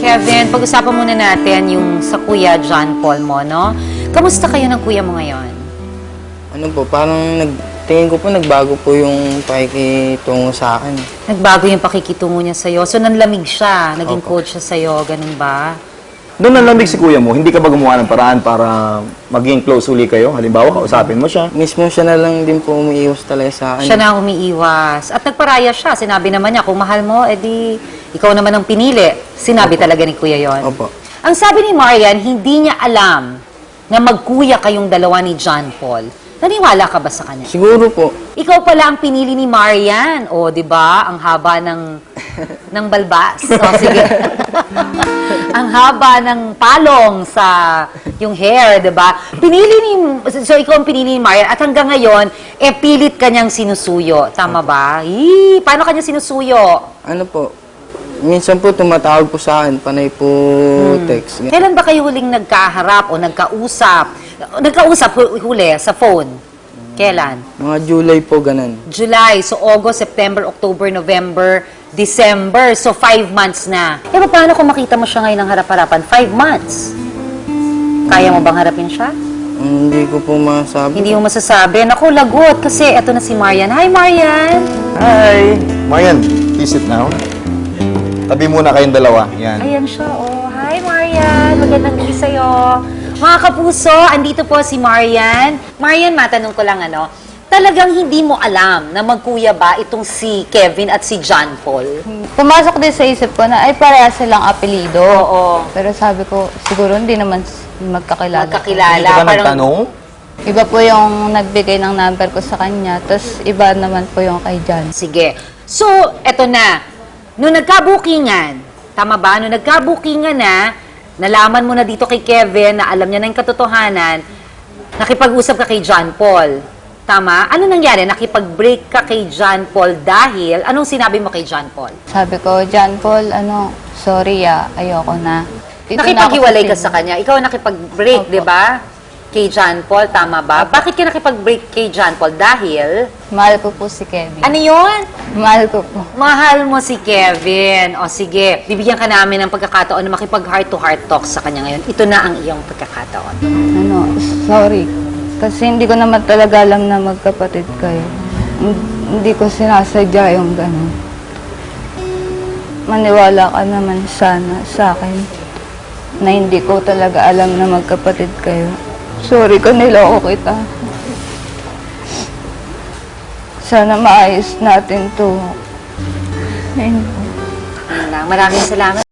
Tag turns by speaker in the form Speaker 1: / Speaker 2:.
Speaker 1: Kevin, pag-usapan muna natin yung sa Kuya John Paul mo, no? Kamusta kayo ng kuya mo ngayon?
Speaker 2: Ano po, parang tingin ko po nagbago po yung pakikitungo sa akin.
Speaker 1: Nagbago yung pakikitungo niya sa'yo. So, nanlamig siya. Naging
Speaker 2: Opo.
Speaker 1: coach siya sa'yo. Ganun ba?
Speaker 3: Doon nanlamig si kuya mo, hindi ka ba gumawa ng paraan para maging close uli kayo? Halimbawa, kausapin mo siya.
Speaker 2: Mismo siya na lang din po umiiwas talaga sa akin.
Speaker 1: Siya na ang umiiwas. At nagparaya siya. Sinabi naman niya, kung mahal mo, edi ikaw naman ang pinili. Sinabi talaga ni Kuya yon.
Speaker 2: Opo.
Speaker 1: Ang sabi ni Marian, hindi niya alam na magkuya kayong dalawa ni John Paul. Naniwala ka ba sa kanya?
Speaker 2: Siguro po.
Speaker 1: Ikaw pala ang pinili ni Marian. O, di ba? Ang haba ng balbas. O, sige. Ang haba ng palong sa yung hair, di ba? So, ikaw ang pinili ni Marian. At hanggang ngayon, pilit kanyang sinusuyo. Tama ba? Paano kanya sinusuyo?
Speaker 2: Ano po, minsan po tumatawag po sa akin, panay po text.
Speaker 1: Kailan ba kayo huling nagkaharap o nagkausap? Nagkausap huli sa phone? Kailan?
Speaker 2: Mga July po, ganun.
Speaker 1: July. So, August, September, October, November, December. So, 5 months na. Eh, paano kung makita mo siya ngayon ng harap-harapan? 5 months. Kaya mo bang harapin siya?
Speaker 2: Hindi ko po masabi.
Speaker 1: Hindi mo masasabi. Naku, lagot. Kasi eto na si Marian. Hi, Marian!
Speaker 3: Hi! Marian, please sit now. Tabi muna kayong dalawa. Yan.
Speaker 1: Ayan siya, oh. Hi, Marian. Magandang gabi sa'yo. Mga kapuso, andito po si Marian. Marian, matanong ko lang, talagang hindi mo alam na magkuya ba itong si Kevin at si John Paul?
Speaker 4: Pumasok din sa isip ko na ay pareha silang apelido.
Speaker 1: Oo.
Speaker 4: Pero sabi ko, siguro hindi naman magkakilala.
Speaker 1: Magkakilala.
Speaker 3: Hindi ka ba
Speaker 1: Parang-
Speaker 3: nagtanong?
Speaker 4: Iba po yung nagbigay ng number ko sa kanya, tapos iba naman po yung kay John.
Speaker 1: Sige. So, eto na. Nung nagkabukingan, tama ba? Nung nagkabukingan na, nalaman mo na dito kay Kevin na alam niya na yung katotohanan, nakipag-usap ka kay John Paul. Tama? Ano nangyari? Nakipag-break ka kay John Paul dahil, anong sinabi mo kay John Paul?
Speaker 4: Sabi ko, John Paul, sorry ayoko na. Dito na ako
Speaker 1: Nakipag-iwalay ka
Speaker 4: Cebu.
Speaker 1: sa kanya. Ikaw nakipag-break,
Speaker 4: Opo.
Speaker 1: di ba? Kay John Paul, tama ba? Bakit ka nakipag-break kay John Paul? Dahil,
Speaker 4: Mahal ko po si Kevin.
Speaker 1: ano yun?
Speaker 4: Mahal ko po.
Speaker 1: Mahal mo si Kevin. O sige, bibigyan ka namin ng pagkakataon na makipag heart-to-heart talk sa kanya ngayon. Ito na ang iyong pagkakataon.
Speaker 4: Sorry. Kasi hindi ko naman talaga alam na magkapatid kayo. Hindi ko sinasadya yung gano'n. Maniwala ka naman sana sa akin na hindi ko talaga alam na magkapatid kayo. Sorry kung niloko kita. Sana maayos natin to. Ayun.
Speaker 1: Yun lang. Maraming salamat.